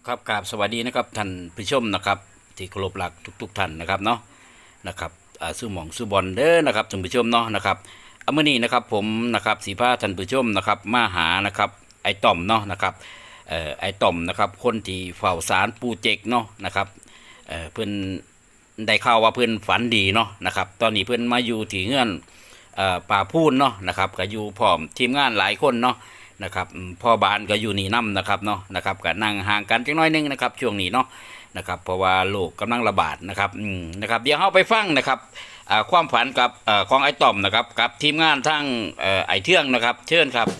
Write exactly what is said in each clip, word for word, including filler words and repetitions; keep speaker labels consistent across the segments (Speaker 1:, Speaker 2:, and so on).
Speaker 1: ครับกราบสวัสดีนะครับท่านผู้ชมนะครับที่เคารพรักทุกๆท่านนะครับเนาะนะครับอ่าซื้อหมองซื้อบอลเด้อนะครับท่านผู้ชมเนาะนะครับเอามื่อนี้นะครับผมนะครับสีผ้าท่านผู้ชมนะครับมาหานะครับไอ้ต่อมเนาะนะครับเอ่อไอ้ต่อมนะครับคนที่เฝ้าศาลปูเจกเนาะนะครับเอ่อเพื่อนได้ข่าวว่าเพื่อนฝันดีเนาะนะครับตอนนี้เพื่อนมาอยู่ที่เงื่อนเอ่อป่าพูนเนาะนะครับก็อยู่พร้อมทีมงานหลายคนเนาะนะครับพ่อบานก็อยู่นี่น้ำนะครับเนาะนะครับก็นั่งห่างกันจังน้อยนึงนะครับช่วงนี้เนาะนะครับเพราะว่าโรคกำลังระบาดนะครับอืมนะครับเดี๋ยวเราไปฟังนะครับความฝันกับของไอ้ต่อมนะครับกับทีมงานทั้งไอ้เทื่องนะครับเชิญครับ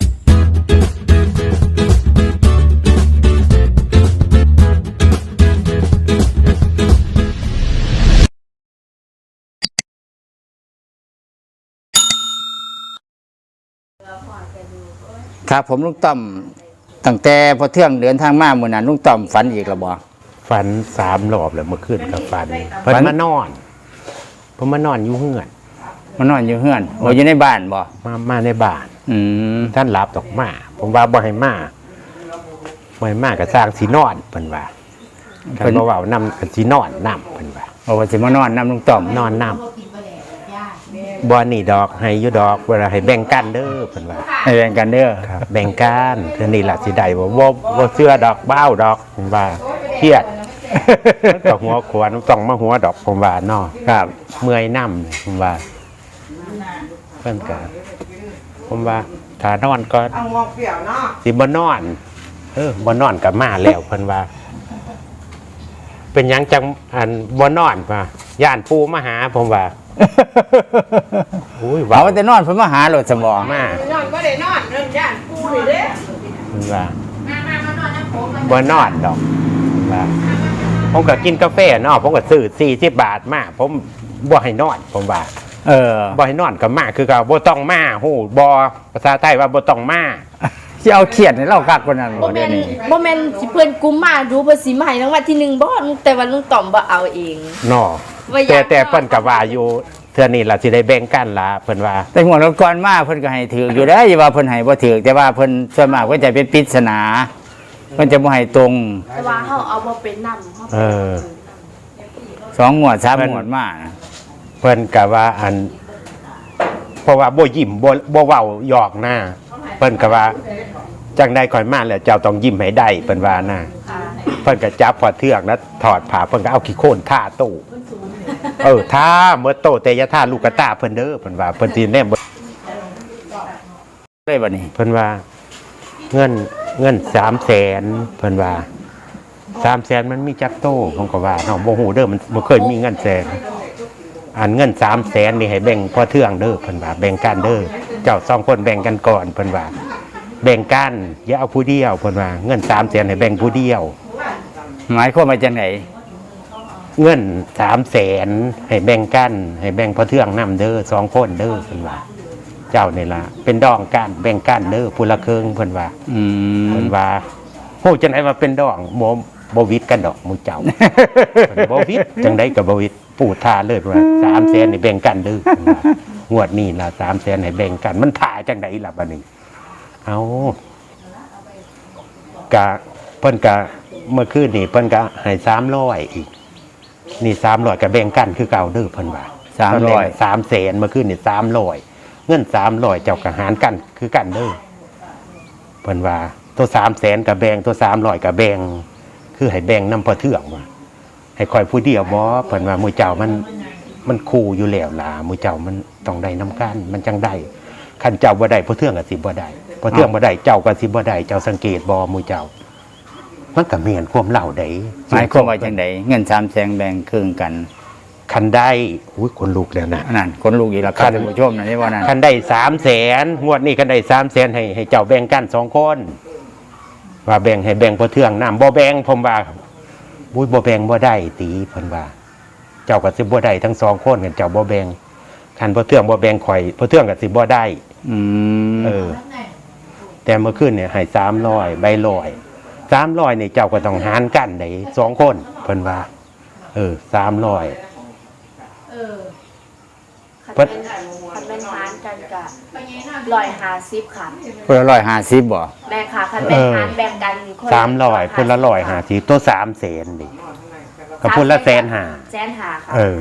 Speaker 2: ครับผมลุงต่อมตั้งแต่พอเที่ยงเดินทางมาเมื่อนั้นลุงต่อมฝันอีกแล้วบ่
Speaker 3: ฝันสามรอบแล้วเมื่อคืนกับฝันเพิ่นมานอนเพิ่นมานอนอยู่เฮือน
Speaker 2: มานอนอยู่เฮือนโอ้อยู่ในบ้านบ่
Speaker 3: มามาในบ้าน
Speaker 2: อืม
Speaker 3: ท่านหลับดอกมาผมว่าบ่ให้มาบ่ให้มาก็สร้างสินอนเพิ่นว่าเพิ่นบ่เว้านำก็สินอนนำเพิ่นว่า
Speaker 2: โอ้ว่าสิมานอนนำลุงต่อม
Speaker 3: นอนนำบ่นี่ดอกให้อยู่ดอกเวลาให้แบ่งกันเด้อเพิ่นว่า
Speaker 2: ให้แบ่งกันเด้อ
Speaker 3: ครับแบ่งกันเทื่อนี้ล่ะสิได้บ่บ่บ่เชื่อดอกบ้าวดอกผมว่าเครียดก็หัวขวานต้องมาหัวดอกผมว่าเนาะ
Speaker 2: ครับ
Speaker 3: เมื่อยนำผมว่าเพิ่นก็ผมว่าถ้านอนก็สิบ่นอนเออบ่นอนก็มาแล้วเพิ่นว่าเป็นหยังจังอันบ่นอนว่าย่านปู่มาหาผมว่า
Speaker 2: อุ้ยว่าแต่นอนเพิ่นมาหาโลดสมอง
Speaker 3: มาน
Speaker 4: อนบ่ได้นอนเรื่องย่านปู่นี่เด้
Speaker 3: เพิ่นว่าบ่นอนดอกว่าผมก็กินกาแฟเนาะผมก็ซื้อสี่สิบบาทมาผมบ่ให้นอนผมว่า
Speaker 2: เออ
Speaker 3: บ่ให้นอนก็มาคือก็บ่ต้องมาฮู้บ่ภาษาไทยว่าบ่ต้องมา
Speaker 2: สิเอาเครียดให้เราคักกว่านั้นบ่เดี๋ยวนี้
Speaker 4: บ่แม่นสิเพิ่นกุมมาดูเพิ่นสิมาให้รางวัลที่หนึ่งบ่แต่ว่าลุงต่อมบ่เอาเอง
Speaker 3: เนาะแต่แต่เพิ่นก็ว่าอยู่เทื่อนี้ล่ะสิได้แบ่งกันล่ะเพิ่นว่า
Speaker 2: แต่หัวรถก่อนมาเพิ่นก็ให้ถืออยู่ได้อย่าว่าเพิ่นให้บ่ถือแต่ว่าเพิ่นส่วนมากเพิ่นจะเป็นปริศนาเพิ่นจะบ่ให้ตรง
Speaker 4: แต่ว่าเฮาเอาบ่เป็นนำเฮา
Speaker 3: เออ
Speaker 2: สองงวดสามงวดมา
Speaker 3: เพิ่นก็ว่าอันเพราะว่าบ่ยิ้มบ่บ่เว้าหยอกหน้าเพิ่นก็ว่าจังได๋ค่อยมาแล้วเจ้าต้องยิ้มให้ได้เพิ่นว่านะเพิ่นก็จับพอเทือกแล้วถอดผ้าเพิ่นก็เอาขี้โคลนท่าตู้เออท่าเมื่อโตแต่อย่าท่าลูกกระตาเพิ่นเด้อเพิ่นว่าเพิ่นสิแนม
Speaker 2: ได้บัดนี้
Speaker 3: เพิ่นว่าเงินเงิน สามแสน เพิ่นว่า สามแสน มันมีจักโตผมก็ว่าเนาะบ่ฮู้เด้อมันบ่เคยมีเงินแสนอันเงิน สามแสน นี่ให้แบ่งพอเทืองเด้อเพิ่นว่าแบ่งกันเด้อเจ้าสองคนแบ่งกันก่อนเพิ่นว่าแบ่งกันอย่าเอาผู้เดียวเพิ่นว่าเงิน สามแสน ให้แบ่งผู้เดียว
Speaker 2: หมายความว่าจังได๋
Speaker 3: เงิน สามแสน ให้แบ่งกันให้แบ่งพอเทืองนำเด้อสองคนเด้อเพิ่นว่าเจ้านี่ล่ะเป็นดองกันแบ่งกันเด้อผู้ละครึ่งเพิ่นว่า
Speaker 2: อืม
Speaker 3: เพิ่นว่าโหจังได๋ว่าเป็นดองบ่บ่วิทย์กันดอกหมู่เจ้าเพิ่นบ่วิทย์จังได๋ก็บ่วิทย์ปู่ท่าเลยเพิ่นว่า สามแสน นี่แบ่งกันเด้อเพิ่นว่างวดนี้ล่ะ สามแสน ให้แบ่งกันมันท่าจังได๋ล่ะบัดนี้เอ้ากะเพิ่นกะเมื่อคืนนี่เพิ่นกะให้สามร้อยอีกนี่สามร้อยก็แบ่งกันคือเก่าเด้อเพิ่นว่า
Speaker 2: สามร้อย
Speaker 3: สามแสนเมื่อคืนนี่สามร้อยเงินสามร้อยเจ้าก็หารกันคือกันเด้อเพิ่นว่าตัวสามแสนกับแบ่งตัวสามร้อยกับแบ่งคือให้แบ่งนำพอเทืองว่าให้คอยผู้เดียวบ่เพิ่นว่าหมู่เจ้ามันมันคู่อยู่แล้วล่ะหมู่เจ้ามันต้องได้นํกันมันจังได้คันเจ้าบ่ได้พอเทืองก็สิบ่ได้พอเทืองบ่ได้เจ้าก็สิบ่ได้เจ้าสังเกตบ่หมู่เจ้ามันก็แม่นความเล่าได้
Speaker 2: หมายความว่าจังได๋เงิน สามแสน แบ่งครึ่งกัน
Speaker 3: คันได้อุ้ยคนลุกแล้วนะ
Speaker 2: นั่นคนลุกอีกแล้วครับท่านผู้ชมนะนี่ว่านั่น
Speaker 3: คันได้ สามแสน งวดนี้คันได้ สามแสน ให้ให้เจ้าแบ่งกันสองคนว่าแบ่งให้แบ่งพอเทืองน้ำบ่แบ่งผมว่าอุ้ยบ่แบ่งบ่ได้ตีเพิ่นว่าเจ้าก็สิบ่ได้ทั้งสองคนกันเจ้าบ่แบ่งคันพอเทืองบ่แบ่งข่อยพอเทืองก็สิบ่ได้
Speaker 2: อืม
Speaker 3: เออแต่เมื่อคืนเนี่ยให้สามร้อยใบร้อยสามร้อยนี่เจ้าก็ต้องหารกันได้สองคนเพิ่นว่าเออสามร้อย
Speaker 4: คัน
Speaker 3: เพิ่น
Speaker 4: เป็นคันเป็นหารกันกะร้อยห้าสิบค่ะ
Speaker 2: เพิ่นร้อยห้าสิบบ่
Speaker 4: แบ่งค่ะคันเป็นหารแบ่งกันคนละ
Speaker 3: สามร้อยพุ่นละร้อยหาสิตัวสามแสนนี่กับพุ่นละแสนหา
Speaker 4: แสนหาค่ะ
Speaker 3: เออ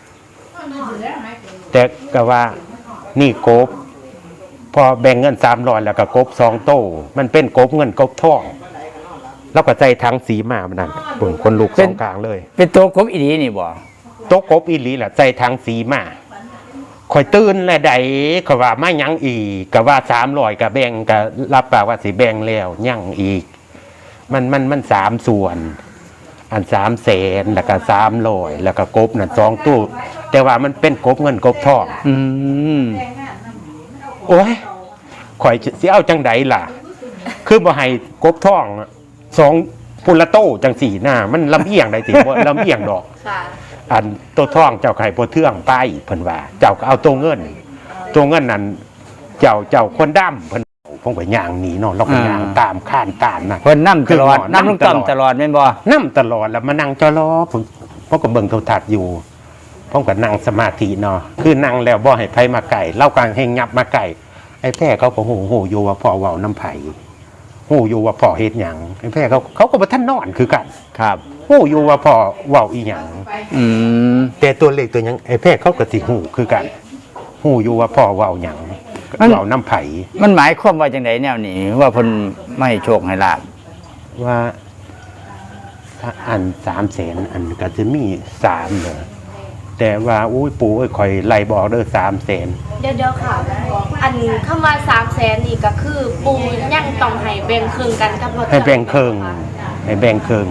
Speaker 3: แต่ก็ว่านี่กบ พอแบ่งเงินสามร้อยแล้วก็กบสองโตมันเป็นกบเงินกบทองแล้วก็ใจทั้งสีมามันนั่นปุ่นคนลูกสองกลางเลย
Speaker 2: เป็นตัวกบอีหลีนี่บ่
Speaker 3: โต๊ะกบอีหลีแหละใจทั้งสีมาคอยตื่นและใดก็ว่าไม่ยังอีกก็ว่าสามร้อยก็แบ่งก็รับปากว่าสิแบ่งแล้วยังอีก มันมันมันสามส่วน อันสามแสนแล้วก็สามร้อยแล้วก็กบนั่นสองตู้ แต่ว่ามันเป็นกบเงินกบทอง
Speaker 2: อืม
Speaker 3: โอ้ยข่อยสิเอาจังใดล่ะ คือบ่ให้กบทองสองพุนละโต้จังสี่หน้า มันลำเอียงได้สิบ่ลำเอียงดอก
Speaker 4: ค่ะ
Speaker 3: อันตัวทองเจ้าไข่บ่เทื่องไปเพิ่นว่า เจ้าก็เอาตัวเงิน ตัวเงินนั้นเจ้าเจ้าคนดำเพิ่นผมก็ย่างหนีเนาะเราก็ย่างตามข้านตามน่ะ
Speaker 2: เพิ่นนำตลอด
Speaker 3: คือหมอ
Speaker 2: นำลุงต้อม
Speaker 3: นำต
Speaker 2: ต
Speaker 3: ล
Speaker 2: ล
Speaker 3: อ
Speaker 2: อ
Speaker 3: ด
Speaker 2: ดแม่นบ่
Speaker 3: นั่ตลอดแล้วมานั่งจอรอผมผมก็เบิ่งโทรทัศน์อยู่ผมก็นั่งสมาธิเนาะคือนั่งแล้วบ่ให้ไผมาไก่เล่ากลางแห่งยับมาไก่ไอ้แพ้เขาก็โหโหอยู่ว่าพ่อเว้าน้ำไผโหอยู่ว่าพ่อเฮ็ดหยังไอ้แพ้เขาเขาก็บ่ทันนอนคือกัน
Speaker 2: ครับ
Speaker 3: โหอยู่ว่าพ่อเว้าอีหยัง
Speaker 2: อืม
Speaker 3: แต่ตัวเลขตัวหยังไอ้แพ้เขาก็สิฮู้คือกันฮู้อยู่ว่าพ่อเว้าหยังเว้าน้ำไผ
Speaker 2: มันหมายความว่าจังไดแนวนี้ว่าเพิ่นไม่ให้โชคให้ลาบ
Speaker 3: ว่าถ้าอันสามแสนอันก็จะมีสามเด้อแต่ว่าอุ้ยปู่เอ้ยข่อยไล่บอกเด้อสามแสน
Speaker 4: เดี๋ยวเดี๋ยวค่ะ อันคำว่าสามแสนนี่ก็คือปูยังต้องให้แบ่งครึ่งกันกับพ่อ
Speaker 3: ให้แบ่งครึ่งให้แบ่งครึ่ง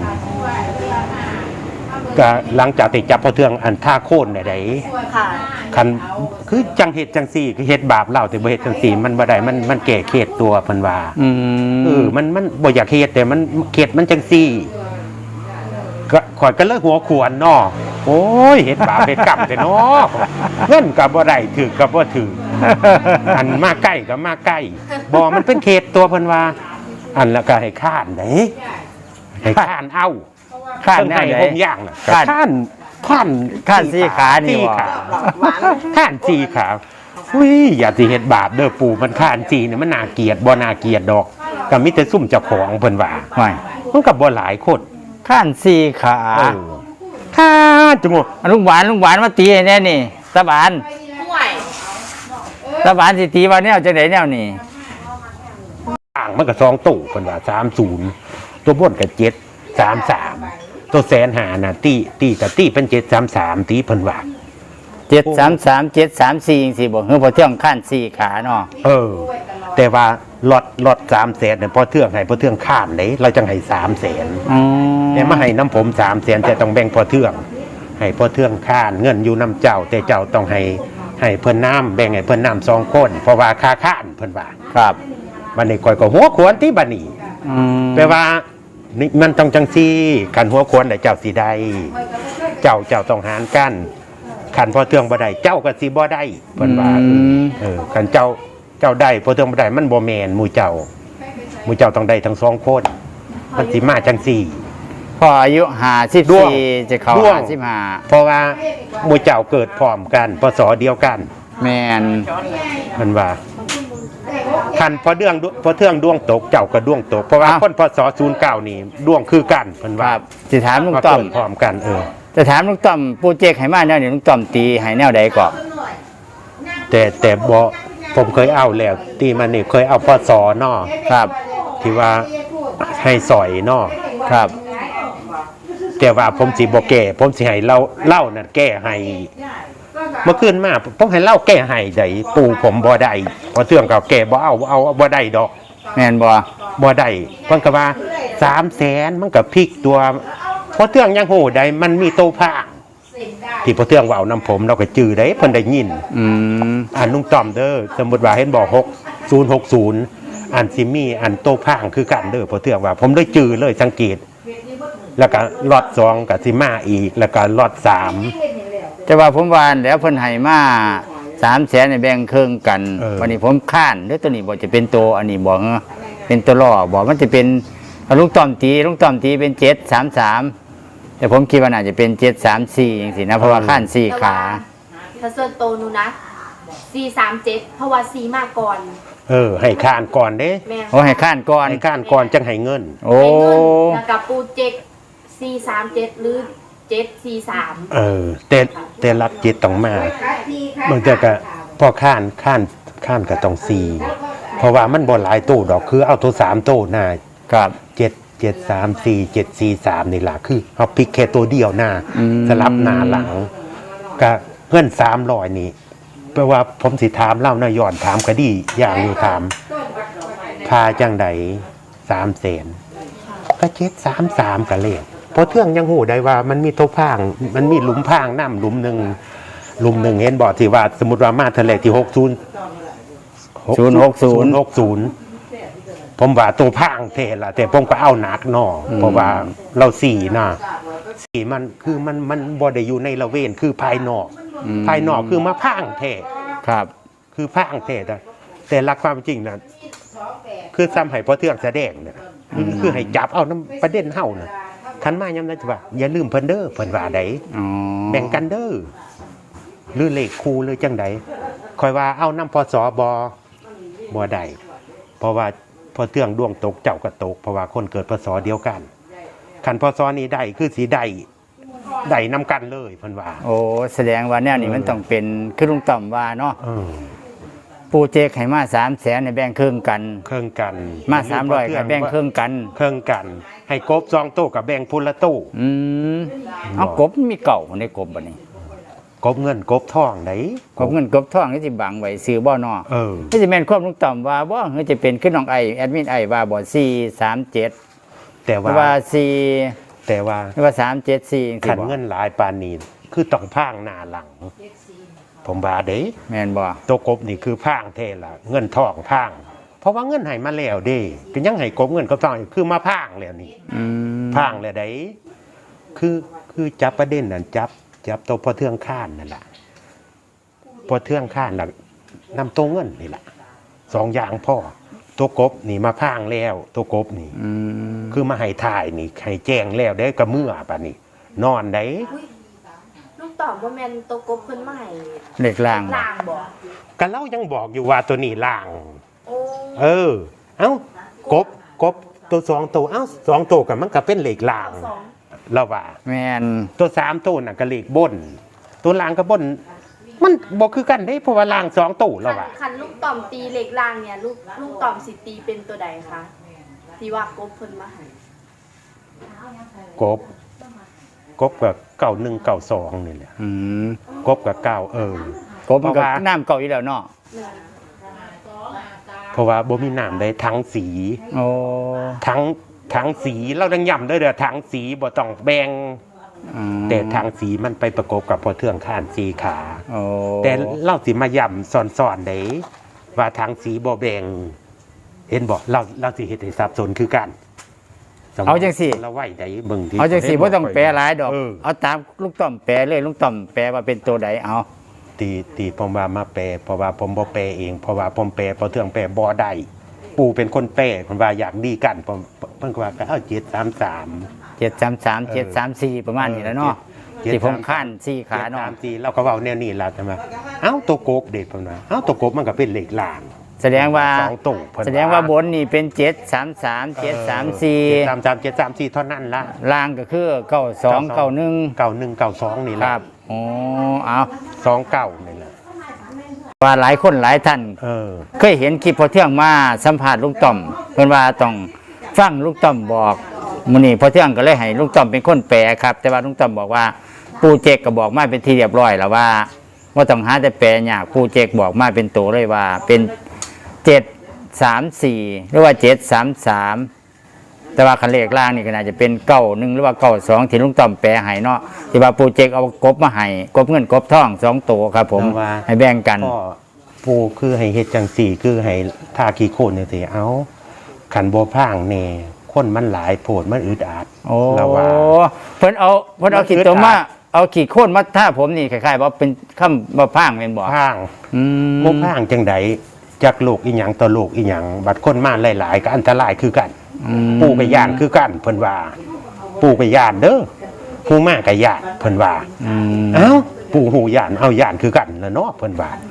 Speaker 3: ก็หลังจากที่จับพอเทืองอันท่าโค่นได้
Speaker 4: ค่ะ
Speaker 3: คันคือจังเฮ็ดจังซี่คือเฮ็ดบาปเล่าแต่บ่เฮ็ดจังซี่มันบ่ได้มันมันแก้เขตตัวเพิ่นว่า
Speaker 2: อื
Speaker 3: เอ
Speaker 2: ม
Speaker 3: อมันมันบ่อยากเฮ็ดแต่มันเขตมันจังซี่ก็ข่อยก็เลยหัวขวนเนาะโอ้ยเฮ็ดบาปเฮ็ดกรรมแต่เนาะเงินก็บ่ได้ถือก็บ่ถือ อันมาใกล้ก็มาใกล้บ่มันเป็นเขตตัวเพิ่นว่า อันแล้วก็ให้ข้านเด้ให้ข้านเอา
Speaker 2: ข้าน
Speaker 3: เพิ่น
Speaker 2: แน
Speaker 3: ให้
Speaker 2: วใด
Speaker 3: ผมย่างน่ะ
Speaker 2: ข้าน
Speaker 3: ข้านข้าน
Speaker 2: ข้านสี่ขานี่
Speaker 3: สี่
Speaker 2: บ่
Speaker 3: ขาข้านสี่ขาอุ้ยอย่าสิเฮ็ดบาปเด้อปู่มันข้านสี่เนี่ยมันน่าเกลียดบ่น่าเกลียดดอกก็มีแต่ซุ่มเจ้าของเพิ่นว่า
Speaker 2: ไม่
Speaker 3: มันก็บ่หลายคน
Speaker 2: ข้านสี่ขา
Speaker 3: เออข้านจังหวะ
Speaker 2: ลุงหวานลุงหวานมาตีให้แน่นี่ตาบาน
Speaker 4: ห่วย
Speaker 2: ตาบานสิตีว่าแนวจังไดแนวนี่
Speaker 3: อ่างมันก็สองตู้เพิ่นว่าสามสิบตัวบนก็เจ็ดสามสามตัวแสนหาน่ะตีตีก็ตีเป็นเจ็ดสามสามตีเพิ่นว่า
Speaker 2: เจ็ดสามสามเจ็ดสามสี่จังซี่บ่เฮือพอเที่ยงข้านสี่ขาเนาะ
Speaker 3: เออ แต่ว่าลอดลอดสามแสนเนี่ยพอเทื่องให้พอเทื่องข้ามเลยเราจังให้สามแสน
Speaker 2: อ๋อ
Speaker 3: แต่มาให้น้ำผมสามแสนแต่ต้องแบ่งพอเทื่อง ให้พอเทื่องข้านเงินอยู่น้ำเจ้า แต่เจ้าต้องให้ให้เพิ่นน้ำแบ่งให้เพิ่นน้ำสองคนเพราะว่าค่าข้านเพิ่นว่า
Speaker 2: ครับ
Speaker 3: บัดนี้ก่อยก็หัวขวนที่บัดนี้
Speaker 2: อืม
Speaker 3: แปลว่านี่มันต้องจังซี่ขันหัวขวนได้เจ้าสิได้เจ้าเจ้าต้องหารกันขันพอเทื่องบ่ได้เจ้าก็สิบ่ได้เพิ่นว่าเออเออขันเจ้าเจ้าได้พอเทื่องบ่ได้มันบ่แม่นหมู่เจ้าหมู่เจ้าต้องได้ทั้งสองคนมันสิมาจังซี่
Speaker 2: พออายุห้าสิบ
Speaker 3: ด้วง
Speaker 2: สี่จะเข้า
Speaker 3: ด้วง
Speaker 2: ห้าสิบห้า
Speaker 3: เพราะว่าหมู่เจ้าเกิดพร้อมกันพศเดียวกัน
Speaker 2: แม่น
Speaker 3: มันว่าคันพอเดืองพอเทื่องดวงตกเจ้าก็ดวงตกเพราะว่าคนพศศูนย์เก้านี่ดวงคือกันเพิ่น
Speaker 2: ค
Speaker 3: ว่า
Speaker 2: รับสิถามลุง
Speaker 3: มา
Speaker 2: ต้อม
Speaker 3: เกิดพร้อมกันเออ
Speaker 2: จะถามลุงต้อมโปรเจกต์ให้มาแนวนี้ลุงต้อมตีให้แนวใดก่อน
Speaker 3: แต่แต่บอผมเคยเอาแล้วตีมันนี่เคยเอาพศเนาะ
Speaker 2: ครับ
Speaker 3: ที่ว่าให้สอยเนาะ
Speaker 2: ครับ
Speaker 3: แต่ว่าผมสิบ่แก้ผมสิให้เล่าเล่านั่นแก้ให้เมื่อคืนมาผมให้เล่าแก้ให้ได้ปู่ผมบ่ได้เพอเทื่องเก่าแก้บ่เอาเอาบ่ได้ดอก
Speaker 2: แม่นบ่
Speaker 3: บ่ได้เพิ่นก็ว่าสามแสนมันก็พลิกตัวเพอเทื่องยังโหได้มันมีโตพางที่พอเทื่องเว้านํผมเราก็จื้อได้เพิ่นได้ยิน
Speaker 2: อืม
Speaker 3: อันลุงต้อมเด้อสมมุติว่าเห็นบอกหก ศูนย์ หก ศูนย์อันซิมีอันโตพางคือกันเด้อพอเทื่องว่า ผมได้จื้อเลยสังเกต แล้วก็ล็อตสองกับซิมาอีกแล้วก็ล็อตสาม
Speaker 2: แต่ว่าผมว่าแล้วเพิ่นให้มาสามแสนในแบ่งครึ่งกัน วันนี้ผมค้านหรือตัวนี้บ่จะเป็นตัวอันนี้บ่เหรอเป็นตัวล่อบ่มันจะเป็นลุงต้อมตีลุงต้อมตีเป็นเจ็ดสามสามแต่ผมคิดว่าน่าจะเป็นเจ็ดสามสี่จังซี่นะเพราะว่าค้านสี่ขา
Speaker 4: ถ้าส่วนโตวหนูนะสี่สามเจ็ดเพราะว่าสี่มาก่อน
Speaker 3: เออ ให้ข้านก่อนเด้
Speaker 4: แม่
Speaker 2: โอ้ให้ข้านก่อน
Speaker 3: ให้ข้านก่อนจังให้เงิน
Speaker 2: โอ้
Speaker 4: ให้เงินแล้วกับปูเจ็กสี่สามเจ็ดหรือเจ็ดสี่สาม
Speaker 3: เออแต่แต่รักจิตต้องมาบางเทื่อก็พอข้านข้านข้านก็ต้องสี่เพราะว่ามันบ่หลายตู้ดอกคือเอาตัวสามตู้หน้า
Speaker 2: ครับ
Speaker 3: เจ็ดเจ็ดสามสี่เจ็ดสี่สามนี่ล่ะคือเอาพลิกแค่ตัวเดียวหน้า
Speaker 2: อืม
Speaker 3: สลับหน้าหลังก็เงินสามร้อยนี่แปลว่าผมสิถามเล่านะย้อนถามก็ดีอย่างอยู่ถามพาจังใดสามแสนก็เจ็ดสามสามก็เลขเพราะเทื่องยังหูได้ว่ามันมีตัวพางมันมีหลุมพางน้ำหลุมหนึ่งหลุมหนึ่งเห็นบอกที่ว่าสมมติว่ามาทะเลที่หกศูนย์
Speaker 2: ศูนย์หกศูนย์
Speaker 3: หกศูนย์ผมว่าตัวพางเทละแต่ผมก็เอาหนักหนอเพราะว่าเราสี่นะสี่มันคือมันมันบ่ได้อยู่ในละเวนคือภายนอก
Speaker 2: อืม
Speaker 3: ภายนอกคือมาพางเท
Speaker 2: ครับ
Speaker 3: คือพางเทแต่แต่หลักความจริงนะคือซ้ำให้พอเทืองแสดงเนี่ยคือคือให้จับเอาน้ำประเด็นเฮานะคันมาย้ำนั้นจะว่าอย่าลืมเพิ่นเด้อเพิ่นว่าใด
Speaker 2: อ๋อ
Speaker 3: แบ่งกันเด้อหรือเลขคู่หรือจังใดคอยว่าเอาน้ำพอสอบอบอใดเพราะว่าพอเทืองดวงตกเจ้าก็ตกเพราะว่าคนเกิดพศเดียวกันคันพศนี้ได้คือสีได้ได้นำกันเลยเพิ่นว่า
Speaker 2: โอ้แสดงว่าแนวนี้มันต้องเป็นคือลุงต่อมว่าเนาะ
Speaker 3: เออ
Speaker 2: ปูเจกให้มาสามแสนในแบ่งครึ่งกัน
Speaker 3: เครื่องกัน
Speaker 2: มาสามร้อยก็แบ่งครึ่งกัน
Speaker 3: เครื่องกัน ให้กบซองโต้กับแบ่งพุละตู้
Speaker 2: อืมเอากบมีเก่าในกบบัดนี้
Speaker 3: กบเงินกบทองไหน
Speaker 2: กบเงินกบทองนี่สิบังไว้ซื้อบ่เนาะ
Speaker 3: เออ
Speaker 2: นี่สิแม่นความลุงต่อมว่าบ่คือจะเป็นขึ้นน้องไอแอดมินไอว่าบ่สี่สามเจ็ด
Speaker 3: แต่
Speaker 2: หรื
Speaker 3: ว่า
Speaker 2: อว่าสี่
Speaker 3: แต่ว่า
Speaker 2: หรือว่าสามเจ็ดสี่จัง
Speaker 3: ขั
Speaker 2: ซี่
Speaker 3: น
Speaker 2: บ่
Speaker 3: เงินหลายปานนีคือต้องพางหน้าหลัง ผมว่าเด้
Speaker 2: แม่นบ่
Speaker 3: ตัวกบนี่คือพางเทละเงินทองพาง เพราะว่าเงินให้มาแล้วเด้ก็ยังให้กบเงินกับทองอยู่คือมาพางแล้วนี่
Speaker 2: อืม
Speaker 3: พางแล้วได้คือคือจับประเด็นนั่นจับจับตัวพอเทืองข้านนั่นแหละพอเทืองข้านน่ะนำตัวเงินนี่แหละสองอย่างพ่อตัวกบนี่มาพางแล้วตัวกบนี่
Speaker 2: อืม
Speaker 3: คือมาให้ถ่ายนี่ให้แจ้งแล้วได้กระเมื่อป่ะนี่นอนได้
Speaker 4: ลูกตอบว่าแมนโตวกบเพิ่นมาให้
Speaker 2: เลขล่างบ่
Speaker 4: ล่างบอก
Speaker 3: กันเล่ายังบอกอยู่ว่าตัวนี้ล่าง
Speaker 4: โอ้
Speaker 3: เออ เอ้ากบกบตัวสองตัวเอ้าสองตัวกับมันก็เป็นเหล็กล่าง
Speaker 4: สอง
Speaker 3: เราว่า
Speaker 2: แม่น
Speaker 3: ตัวสามตัวน่ะก็เหล็กบน ตัวล่างก็บน มันบอกคือกันได้เพราะว่าล่างสองตัวเรา
Speaker 4: คัน
Speaker 3: ว่า
Speaker 4: คันลูกต่อมตีเหล็กล่างเนี่ยลูกลูกต่อมสิตีเป็นตัวใดคะที่ว่ากบเพิ่นมาให้
Speaker 3: กบกบกับเก่าหนึ่งเก่าสองนี่แหละ
Speaker 2: อืม
Speaker 3: กบกับเก่าเออ
Speaker 2: กบมันก็
Speaker 3: เพราะว่า
Speaker 2: น้ำเก่าอยู่แล้วเนาะ
Speaker 4: หนึ่ง
Speaker 3: เพราะว่าบ่มีน้ำได้ทั้งสี
Speaker 2: โอ้
Speaker 3: ทั้งทั้งสีเราดังย่ำได้เด้อทั้งสีบ่ต้องแบ่ง
Speaker 2: อืม
Speaker 3: แต่ทางสีมันไปประกบกับพอเทืองข้านสีขา
Speaker 2: โอ้
Speaker 3: แต่เล่าสิมาย่ำสอนๆได้ว่าทางสีบ่แบ่งเห็นบอกเราเราสิเฮ็ดให้สับสนคือกัน
Speaker 2: เอาจังสิ
Speaker 3: เราไหวได้เบิ่งที่
Speaker 2: เอาจังสิบ่ต้องแปลหลายดอก
Speaker 3: เออ
Speaker 2: เอาตามลุงต่อมแปลเลยลุงต่อมแปลว่าเป็นตัวใดเอา
Speaker 3: ตีตีผมว่ามาแปลเพราะว่าผมบ่แปลเองเพราะว่าผมแปลพอเทืองแปลบ่ได้ปู่เป็นคนแปลเพิ่นว่าอยากดีกันผมเพิ่นก็ว่าก็เอาเจ็ดสามสาม
Speaker 2: เจ็ดสามสามเจ็ดสามสี่ประมาณนี้แหล้วเนาะ
Speaker 3: เจ็ด
Speaker 2: ที่ผม
Speaker 3: สาม
Speaker 2: ขั้นสี่ขา
Speaker 3: เจ็ด
Speaker 2: เนาะ
Speaker 3: สามสี่เราก็เว้าแนวนี้ล่ะใช่ไหมเอ้าตัวกบเด็กเพิ่นว่าเอ้าตัวกบมันก็เป็นเหล็กล่าง
Speaker 2: แสดงว่า
Speaker 3: สองตู้เพิ่น
Speaker 2: แสดงว่าบนนี่เป็นเจ็ดสามสามเจ็ดสามสี่
Speaker 3: สามสามเจ็ดสามสี่เท่านั้นละ
Speaker 2: ล่างก็คือเก้าสองเก้าหนึ่ง
Speaker 3: เก่าหนึ่งเก่าสองนี่
Speaker 2: ค
Speaker 3: ละ
Speaker 2: รับโอ้เอา
Speaker 3: สองเก่านี่แหละ
Speaker 2: ว่าหลายคนหลายท่าน
Speaker 3: เออ
Speaker 2: เคยเห็นคลิปพอเที่ยงมาสัมภาษณ์ลุงต่อมเพิ่นว่าต้องฟังลุงต่อมบอกมื้อนี้พอเที่ยงก็เลยให้ลุงต่อมเป็นคนแปลครับ แต่ว่าลุงต่อมบอกว่าปู่เจกก็บอกมาเป็นที่เรียบร้อยแล้วว่าว่าต้องหาแต่แปลยากปู่เจกบอกมาเป็นตัวเลยว่าเป็นเจ็ดสามสี่หรือว่าเจ็ดสามสามแต่ว่าคันเลขล่างนี่ก็น่าจะเป็นเก้าหนึ่งหรือว่าเก้าสองที่ลุงต่อมแปลให้เนาะที่ว่าปู่เจกเอากบมาให้กบเงินกบทองสองตัวครับผม
Speaker 3: แต่ว่า
Speaker 2: ให้แบ่งกัน
Speaker 3: ก็ปูคือให้เฮ็ดจังสี่คือให้ทาขี้โคลนจังซี่เอาขันบ่พร่างแน่คนมันหลายโพดมันอึดอัด
Speaker 2: โอ้
Speaker 3: แล้วว่า
Speaker 2: เพิ่นเอาเพิ่นเอา
Speaker 3: มัน
Speaker 2: ขีด
Speaker 3: อึด
Speaker 2: ตัวมา
Speaker 3: อัด
Speaker 2: เอาขีดโค่นมาท่าผมนี่คล้ายๆว่าเป็นคำบ่พร่างแม่นบ่
Speaker 3: พร่าง
Speaker 2: อืม
Speaker 3: บ่พร่างจังใดจากโลกอีหยังต่อโลกอีหยังบัดคนมาหลายๆก็อันตรายคือกัน
Speaker 2: อืม
Speaker 3: ปู่ก็ย่านคือกันเพิ่นว่า ปู่ก็ย่านเด้อผู้มาก็ย่านเพิ่นว่า
Speaker 2: อืม
Speaker 3: เอ้าปู่หูย่านเอาย่านคือกันแล้วเนาะเพิ่นว่า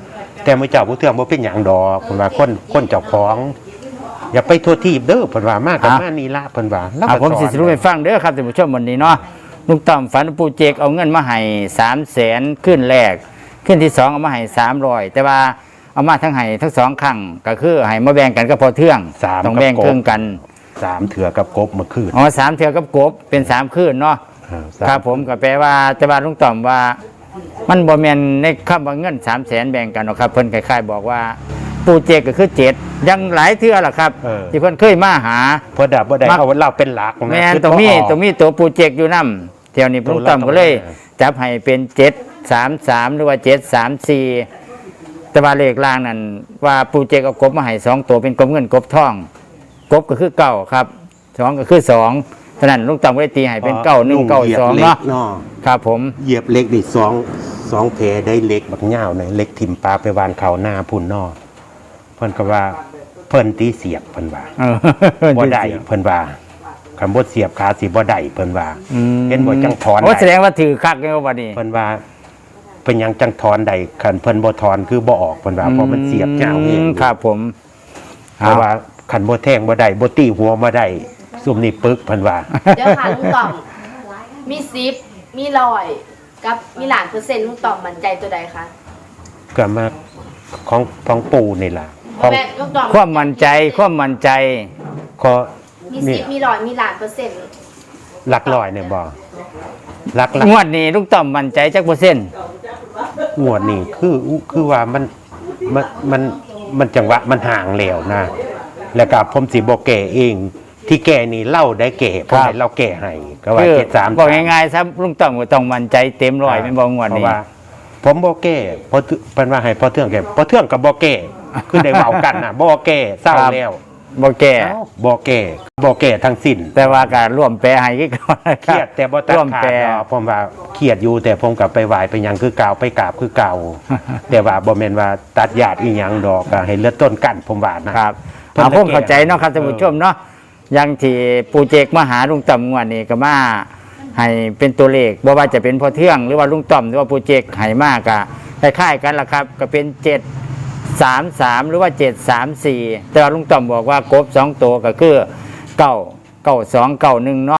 Speaker 3: แต่มื้อเจ้าผู้เทื่องบ่เป็นหยังดอกเพิ่นว่าคนคนเจ้าของ อย่าไปทั่วทีบเด้อเพิ่นว่ามากกับมานี่ละเพิ่นว่าแล้ว
Speaker 2: อ่ะ
Speaker 3: ก็
Speaker 2: ผมสิสรุปให้ฟังเด้อครับท่านผู้ชมวันนี้เนาะลุงต่อมฝันว่าปู่เจกเอาเงินมาให้สามแสนขึ้นแรกขึ้นที่สองเอามาให้สามร้อยแต่ว่าเอามาทั้งให้ทั้งสองครั้งก็คือให้มาแบ่งกันก็พอเทื่อง
Speaker 3: สาม
Speaker 2: ต้องแบ่งครึ่งกัน
Speaker 3: สามเถื่อกับกบเมื่อคืน
Speaker 2: อ๋อสามเทื่อกับกบเป็นสามคืนเนาะ
Speaker 3: อ่าสาม
Speaker 2: ครับผมก็แปลว่าแต่ว่าลุงต่อมว่า มันบ่แม่นในคำว่าเงินสามแสนแบ่งกันหรอกครับเพิ่นคล้ายๆบอกว่าปู่เจกก็คือเจ็ดยังหลายเทื่อล่ะครับ
Speaker 3: เออ
Speaker 2: ที่เพิ่นเคยมาหา
Speaker 3: เพอดับบ่ได้
Speaker 2: มัก
Speaker 3: เอาเราเป็นหลักนะ
Speaker 2: แม่น
Speaker 3: คือ
Speaker 2: ตรงนี้
Speaker 3: บ่ออก
Speaker 2: ตรงนี้ตัวปูเจกอยู่นำเที่ยวนี้
Speaker 3: ตัว
Speaker 2: ลุงต้อม
Speaker 3: ละ
Speaker 2: ก็เลย
Speaker 3: ตัวละ
Speaker 2: จับให้เป็นเจ็ดสามสามหรือว่าเจ็ดสามสี่แต่ว่าเลขล่างนั้นว่าปูเจกเอากบมาให้สองตัวเป็นกบเงินกบทองกบก็คือเก้าครับสองก็คือสองฉะนั้นลุงต้อมก็เลยตีให้เป็นเก้าหนึ่งเก้าสองเนาะ
Speaker 3: เนาะ
Speaker 2: ครับผม
Speaker 3: เหยียบเหล็กนี่สองสองเพได้เหล็กบักเหย้าเนี่ยเหล็กถิ่มปลาไปวานเขาหน้าพุ่นนอกเพิ่นก็ว่าเพิ่นตีเสียบเพิ่นว่า
Speaker 2: เออ
Speaker 3: บ่ได้เพิ่นว่าคำบ่เสียบขาสิบ่ได้เพิ่นว่า
Speaker 2: อืม
Speaker 3: เห็นบ่จังถอน
Speaker 2: โอ้
Speaker 3: ได้
Speaker 2: แสดงว่าถือคักเลยวันนี้
Speaker 3: เพิ่นว่าเป็นหยังจังถอนได้คันเพิ่นบ่ถอนคือบ่ออกเพิ่นว่าเพราะมันเสียบเหย้าเอง
Speaker 2: มครับผม
Speaker 3: เพราะว่าคันบ่แทงบ่ได้บ่ตีหัวบ่ได้ซุ่มนี่ปึกเพิ่นว่า
Speaker 4: เดี๋ยวค่ะลุงต่อมมีซิปมีลอยกับมีหลานเปอร์เซ็นต์ลุงต่อมมั่นใจตัวใดคะ
Speaker 3: ก็มาของของปู่นี่ล่ะของ
Speaker 4: แม่ลุงต่อม
Speaker 2: ความมั่นใจความมั่นใจ
Speaker 3: ก็
Speaker 4: มี
Speaker 3: นี่
Speaker 4: ซิปมีลอยมีหลานเปอร์เซ็นต์
Speaker 3: หลักร้อยเนี่ยบ่หลักหลัก
Speaker 2: งวดนี้ลุงต้อมมั่นใจจักเปอร์เซ็นต์
Speaker 3: งวดนี่คือคือว่ามันมันมันมันจังหวะมันห่างแล้วนะ แล้วก็ผมสิบ่แก่เอง ที่แก่นี่เล่าได้แก่เพราะให้เราแก่ให้ก็ว่า
Speaker 2: คือ
Speaker 3: เจ็ดสาม
Speaker 2: บอกง่ายๆซะลุงต้อมก็ต้องมั่นใจเต็มร้อยเป็นบ่งวด
Speaker 3: เพราะ
Speaker 2: นี้
Speaker 3: ว่า ผมบ่แก่เพราะเป็นว่าให้พอเทื่องแก่พอเทื่องกับบ่แก่คือได้เว้ากันน่ะบ่แก่เศร้า
Speaker 2: ครับ
Speaker 3: แล้ว
Speaker 2: บ่แก่
Speaker 3: เอ้าบ่แก่บ่แก่ทั้งสิ้น
Speaker 2: แต่ว่าการร่วมแปลให้คือก่อนนะ
Speaker 3: เครียดแต่บ่ตัด
Speaker 2: ร่วม
Speaker 3: ขา
Speaker 2: แป
Speaker 3: ด
Speaker 2: ล
Speaker 3: ดอกผมว่าเครียดอยู่แต่ผมกลับไปไหว้ไปหยังคือเก่าไปกราบคือเก่า แต่ว่าบ่แม่นว่าตัดญาติอีหยังดอกก็ให้เลือดต้นกันผมว่านะครับ เพิ่น
Speaker 2: เอา
Speaker 3: ละ
Speaker 2: ผม
Speaker 3: แก่
Speaker 2: เข้าใจเนาะครับท่านผู้ชมเนาะอยังที่ปูเจกมาหาลุงต้อมงวดนี้ก็มาให้เป็นตัวเลขบ่ว่าจะเป็นพอเทื่องหรือว่าลุงต้อมหรือว่าปูเจกให้มากก็คล้ายๆกันล่ะครับ ก็เป็นเจ็ดสามสามหรือว่าเจ็ดสามสี่แต่ว่าลุงต้อมบอกว่ากบสองตัวก็คือเก้าเก้าสองเก้าหนึ่งเนาะ